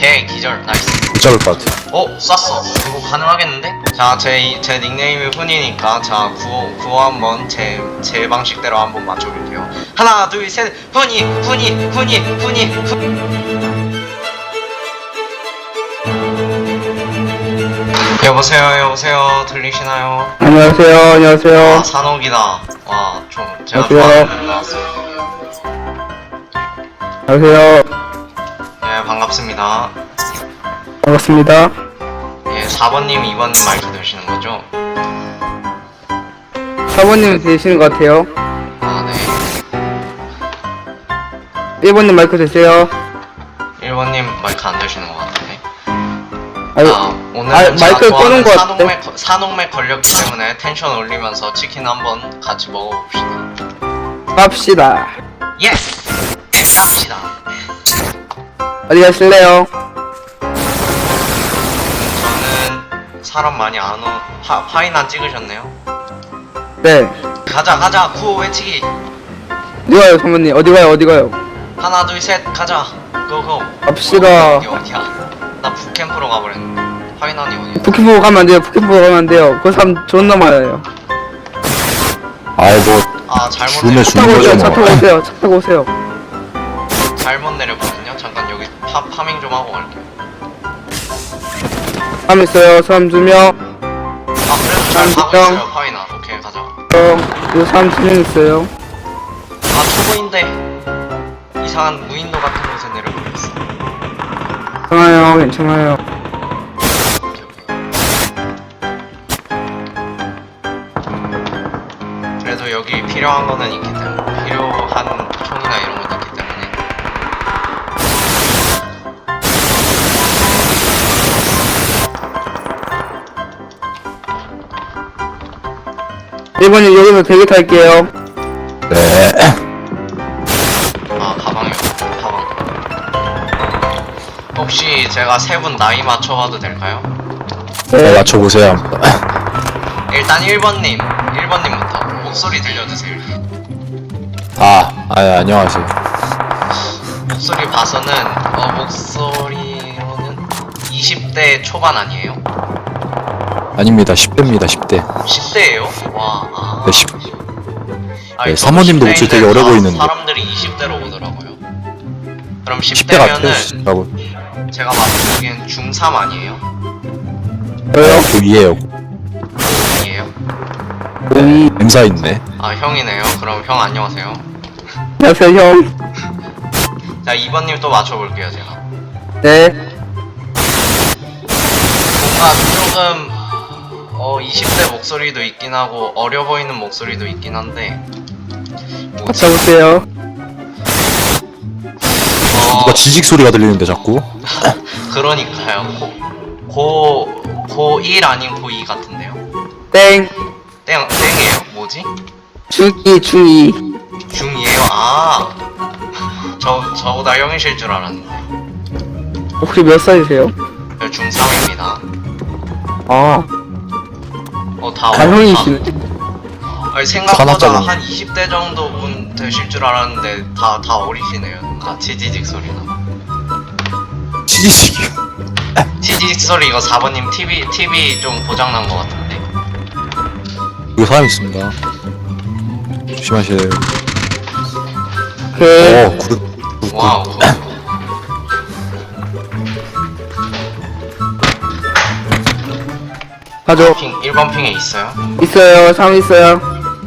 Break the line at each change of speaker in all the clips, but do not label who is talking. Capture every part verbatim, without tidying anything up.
오케이 기절 나이스.
못 잡을 것 같아.
어? 쐈어. 그거 가능하겠는데? 자, 제, 제 닉네임이 훈이니까 자 구호, 구호 한번 제, 제 방식대로 한번 맞춰볼게요. 하나 둘 셋 훈이 훈이 훈이 훈이 훈 여보세요 여보세요 들리시나요?
안녕하세요, 안녕하세요.
아 산옥이다. 와 좀 제가
안녕하세요.
좋아하는 나왔어요.
안녕하세요.
네 반갑습니다.
반갑습니다.
예 사 번님 이 번님 마이크 되시는 거죠?
사모님 되시는 것 같아요.
아 네.
일 번님 마이크 되세요.
일 번님 마이크 안 되시는 것 같은데.
아유,
아, 오늘은
아,
제가
마이크
좋아하는
끄는 것 같아.
산옥맥, 산옥맥 걸렸기 때문에 텐션 올리면서 치킨 한번 같이 먹어봅시다.
갑시다.
예! 갑시다.
어디 가실래요?
저는 사람 많이 안 오, 파, 파인 안 찍으셨네요?
네.
가자, 가자, 구호 외치기.
어디 가요, 사모님? 어디 가요, 어디 가요?
하나, 둘, 셋, 가자. 고고.
갑시다.
어디, 어디야? 나 북캠프로 가버렸네. 파인언이 어디야?
부키포 가면 안 돼요, 부키포 가면 안 돼요. 그 사람 존나 많아요.
아이 뭐
아, 잘못
죽으면
내려,
차
죽는
타고
거죠
오세요, 차 타고
뭐.
오세요, 차 타고 오세요.
잘못 내렸거든요? 잠깐 여기 파, 파밍 좀 하고 갈게요.
사람 있어요, 사람 두 명.
아, 그래도 잘 가고
형.
있어요, 파인아. 오케이, 가자.
어, 이거 사람 두 명 있어요.
아 초보인데 이상한 무인도 같은 곳에 내려버렸어.
괜찮아요, 괜찮아요.
그래도 여기 필요한 거는 있기 때문에 필요한 총이나 이런 것도 있기 때문에
일 번님 여기서 대기 탈게요.
네.
아 가방이 없어. 가방 혹시 제가 세 분 나이 맞춰봐도 될까요?
네,
네.
맞춰보세요.
일단 일 번님 일 번님부터 목소리 들려주세요.
아, 아 안녕하세요.
목소리 봐서는 어 목소리로는 이십 대 초반 아니에요?
아닙니다. 십 대입니다. 십 대.
십 대예요? 와 아.
네, 십.
아니,
네,
저도
사모님도
십 대인데
목소리 되게 어려
다
보이는데.
사람들이 이십 대로 오더라고요. 그럼
십 대 같아요.
십 대면은
라고.
제가 맞추기엔 중삼 아니에요?
저요?
그 위에요.
아니에요?
오이.
엠사 있네.
아 형이네요. 그럼 형 안녕하세요.
안녕하세요, 형.
자 이 번님 또 맞춰볼게요 제가.
네.
뭔가 조금 어 이십 대 목소리도 있긴 하고 어려 보이는 목소리도 있긴 한데 뭐지?
잡으세요.
어
누가 지직 소리가 들리는데 자꾸.
그러니까요. 고 고일 아닌 고이 같은데요?
땡.
땡 땡이에요? 뭐지?
중이, 중이.
중이에요? 아, 저 저보다 형이실 줄 알았는데.
혹시 몇 살이세요?
저 중삼입니다.
아,
어, 다
다 형이시네.
아니 생각보다
산악자군.
한 이십 대 정도 분 되실 줄 알았는데 다 다 어리시네요. 아, 치지직 소리나.
지지직이요.
치지직 소리 이거 사 번님 티비 티비 좀 고장 난 것 같은데.
여기 사람 있습니다. 조심하세요.
오케이.
어, 구르.
와우.
가죠.
핑 일 번 핑에 있어요.
있어요, 사람 있어요.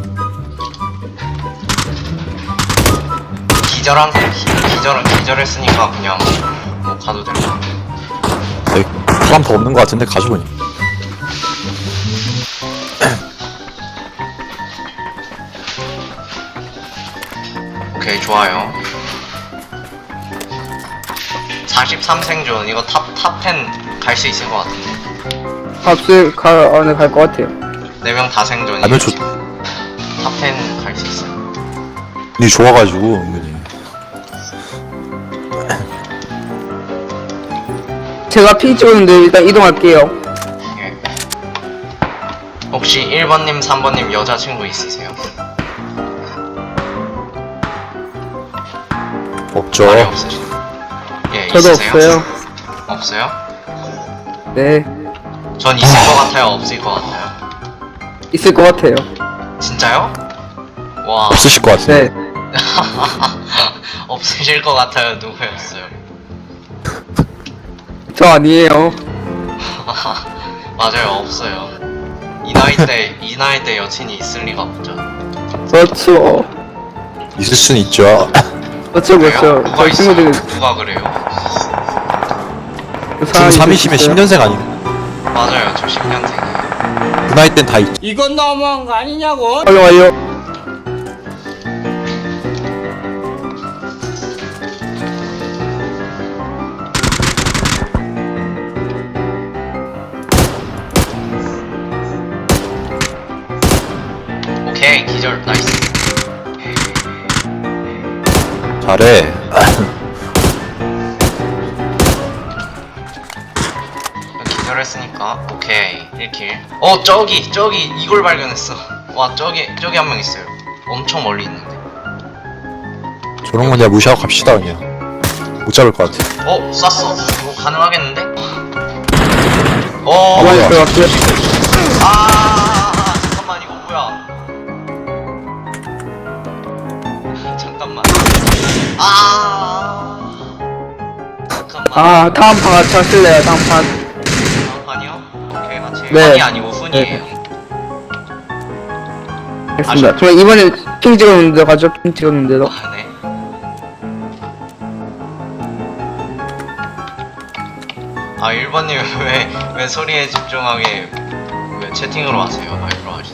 기절한 기- 기절 기절했으니까 그냥 뭐 가도 될 것 같아.
여기 사람 더 없는 것 같은데 가지고 있네.
오케이 좋아요. 사십삼 생존 이거 탑탑10 갈 수 있을 것 같은데.
값을 가, 아, 네, 갈 것 같아요.
네 명 다 생존이.
아니면 좋.
탑10 갈 수 있어요.
이 좋아가지고 은근히.
제가 핑 찍었는데 일단 이동할게요.
예. 혹시 일 번님, 삼 번님 여자친구 있으세요?
없죠.
말이 없으시죠? 예,
저도
있으세요?
없어요.
없어요?
네,
전 있을 것 같아요, 없을 것 같아요?
있을 것 같아요.
진짜요? 와.
없으실 것 같은데.
네,
없으실 것 같아요. 누구였어요?
저 아니에요.
맞아요, 없어요. 이 나이 때, 이 나이 때 여친이 있을 리가 없죠.
그렇죠.
있을 수는 있죠.
그렇죠,
그래요?
그렇죠.
누가
저희
있어요?
친구들이
누가 그래요?
그 사람이
중삼이시면
있어요.
십 년생 아닌가?
맞아요, 저 십 년생이에요.
그 나이 땐 다 있죠.
이건 너무한 거 아니냐고?
빨리 와요.
오케이, 기절, 나이스.
잘해.
기절했으니까, 오케이, 일 킬. 어, 저기, 저기, 이걸 발견했어. 와, 저기, 저기 한 명 있어요. 엄청 멀리 있는데.
저런 건 그냥 무시하고 갑시다 그냥. 못 잡을 것 같아.
어, 쐈어. 이거 가능하겠는데? 어,
가만히
뭐야?
들어갈게요.
아, 잠깐만, 이거 뭐야? 잠깐만. 아, 잠깐만.
아, 다음 판 같이 하실래요, 다음 판.
다음 판이요? 오케이, 같이.
네.
판이 아니고 훈이에요.
알겠습니다. 그럼 이번에 핑 찍었는데 가죠, 핑 찍었는데도.
아, 네. 아, 일 번님 왜, 왜 소리에 집중하게 왜 채팅으로 하세요? 마이크로 하시지.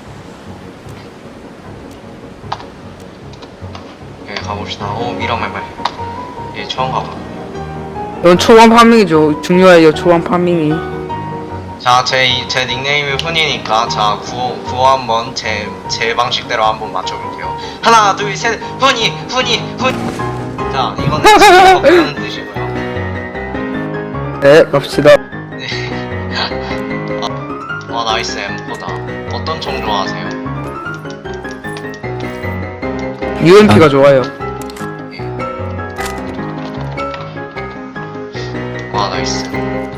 예, 가봅시다. 오, 미라말말. 예, 처음 가봐.
이건 초반 파밍이죠. 중요해요, 초반 파밍이.
자, 제, 이- 제 닉네임이 훈이니까, 자, 구호, 구호 한번 제, 제 방식대로 한번 맞춰볼게요. 하나, 둘, 셋, 훈이, 훈이, 훈. 자, 이거는 지금 그런 뜻이고요.
네, 갑시다.
네. 아, 어, 나이스 엠포다. 어떤 총 좋아하세요?
유엠피가 좋아요.
예. 와, 나이스.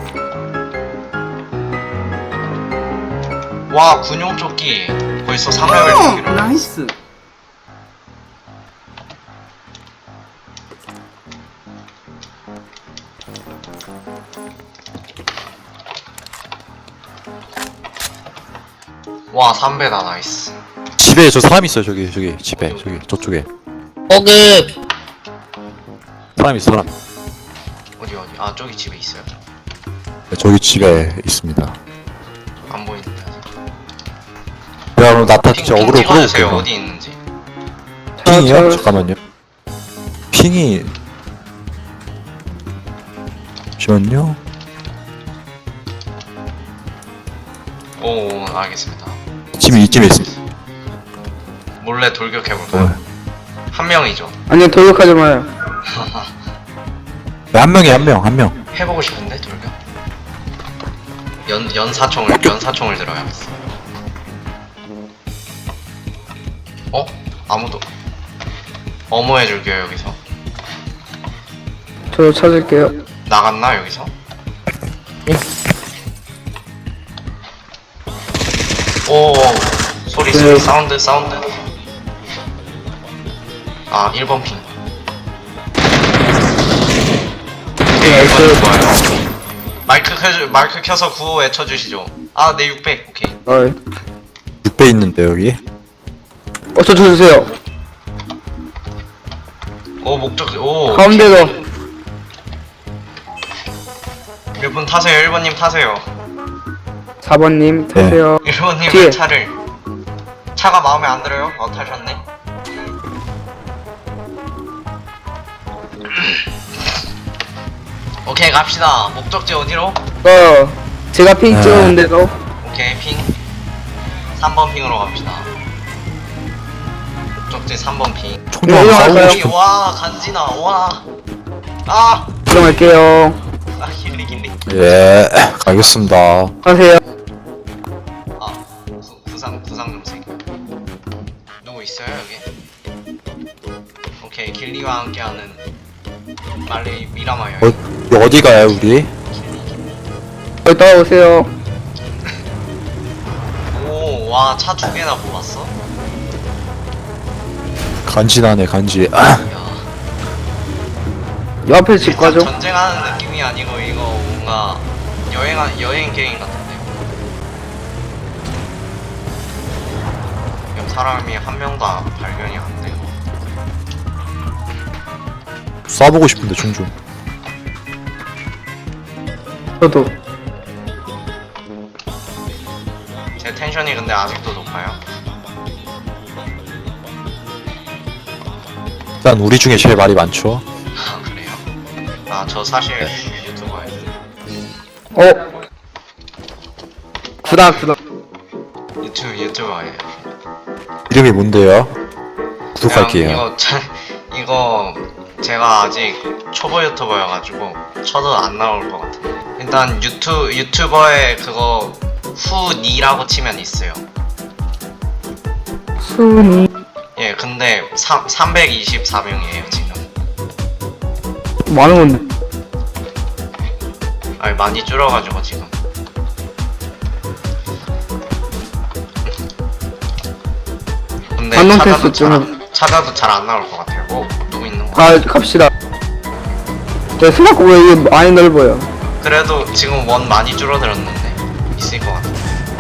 와, 군용 조끼. 벌써 삼 레벨 조끼로.
나이스.
와, 삼 배다, 나이스.
집에 저 사람 있어요 저기 저기 집에 저기 저쪽에
오급.
사람 있어 사람.
어디, 어디? 아, 저기 집에 있어요.
네, 저기 집에 있습니다.
안 보이는데.
내가 그럼 나타
핑,
진짜
핑
어그로
찍어주세요.
끌어볼게요.
어디 있는지.
핑이요?
저-
잠깐만요. 핑이 잠시만요.
오, 알겠습니다.
이쯤에 이쯤에 있습니다.
몰래 돌격해볼까요?
네.
한 명이죠.
아니요, 돌격하지 마요.
네, 한 명이 한 명 한 명.
해보고 싶은데 돌격? 연 연사총을 연사총을 들어야겠어. 어? 아무도 어머 해줄게요 여기서.
저도 찾을게요.
나갔나 여기서? 오 소리 소리
네.
사운드 사운드. 아 일 번 핑. 오케이 일 번 좋아요. 마이크 켜 마이크 켜서 구호 외쳐주시죠. 아 네 육백 오케이.
어이.
육 배 있는데 여기.
어, 저 주세요.
오 목적 오
가운데도.
일 번 타세요 일 번님 타세요.
사 번님, 타세요.
일 번님
뒤에.
왜 차를 차가 마음에 안 들어요? 어 타셨네. 오케이 갑시다. 목적지 어디로?
어, 제가 핑
네.
찍었는데도.
오케이 핑 삼 번 핑으로 갑시다. 목적지 삼 번 핑.
총좀
이거
싸우고
할까요?
싶어.
와 간지나 와. 아,
들어갈게요.
아 길리 길리.
예, 가겠습니다.
하세요.
아 구, 구상 구상 좀 세게. 누구 있어요 여기? 오케이 길리와 함께하는 말리 미라마요.
어, 어디 가요 우리?
여기 따라오세요.
오, 와, 차 두 개나 모았어?
간지나네 간지. 아,
야.
요 앞에 집
일단
가죠.
전쟁하는 느낌이 아니고 이거 뭔가 여행 여행 게임 같은데요. 지금 사람이 한 명도 안- 발견이 안 돼요.
쏴보고 싶은데 종종.
저도.
제 텐션이 근데 아직도 높아요.
일단 우리 중에 제일 말이 많죠.
아 그래요? 아 저 사실 유튜버예요.
어. 구닥 구닥.
유튜브 유튜버예요.
이름이 뭔데요?
그냥
구독할게요.
이거 자, 이거 제가 아직 초보 유튜버여가지고 쳐도 안 나올 것 같은데. 일단 유튜 유튜버에 그거 후니라고 치면 있어요.
순이.
예, 근데 삼, 삼백이십사 명이에요 지금.
많은 건데.
아니 많이 줄어가지고 지금. 근데
반동
찾아도
테스트
잘
좀.
안, 찾아도 잘 안 나올 것 같아요. 어, 누구 있는 거?
가 갑시다. 야 생각보다 이게 많이 넓어요.
그래도 지금 원 많이 줄어들었는데 있을 것 같아.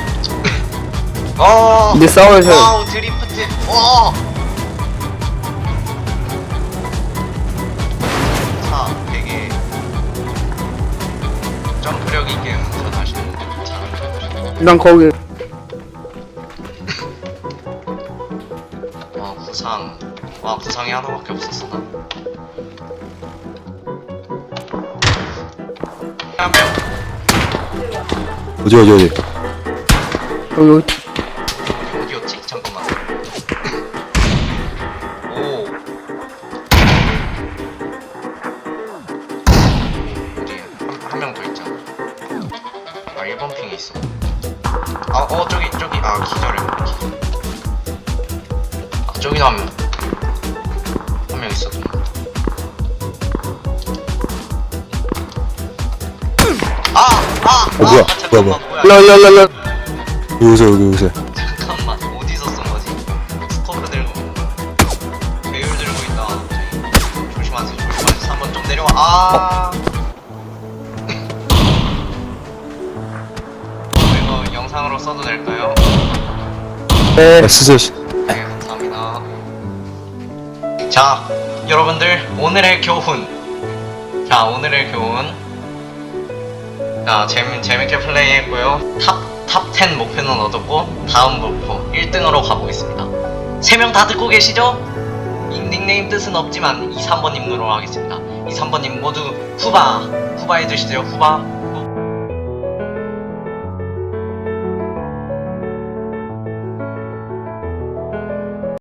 어.
이제 싸워야죠.
와우 드리프트. 와. 차 되게 점프력 있게 운전하시는 잘하시는.
일단 거기.
와 구상. 와 구상이 하나밖에 없었어 나. 한 명.
어디 어디 어디.
여기 여기.
어디였지? 잠깐만. 오. 어디에? 한 명 더 있잖아. 아, 일 번 핑에 있어. 아, 어, 저기, 저기. 아, 기절해. 기절. 아, 저기도 한 명. 한 명 있어. 아! 아!
어, 뭐야?
아, 잠깐만,
뭐야,
뭐야.
일로 일로 일로 일로.
여기 오세요 여기 오세요.
잠깐만 어디서 쏜 거지? 스코프 들고 배율 들고 있다. 저기. 조심하세요 조심하세요. 한번 좀 내려와. 아 이거 영상으로 써도 될까요?
네.
아, 쓰세요.
네 감사합니다. 자 여러분들 오늘의 교훈. 자 오늘의 교훈. 자 재미, 재밌게 플레이했고요. 탑 탑 텐 목표는 얻었고 다음 목표 일 등으로 가보겠습니다. 세 명 다 듣고 계시죠? 이 닉네임 뜻은 없지만 이, 삼 번님으로 하겠습니다. 이, 삼 번님 모두 후바 후바 해주시죠. 후바.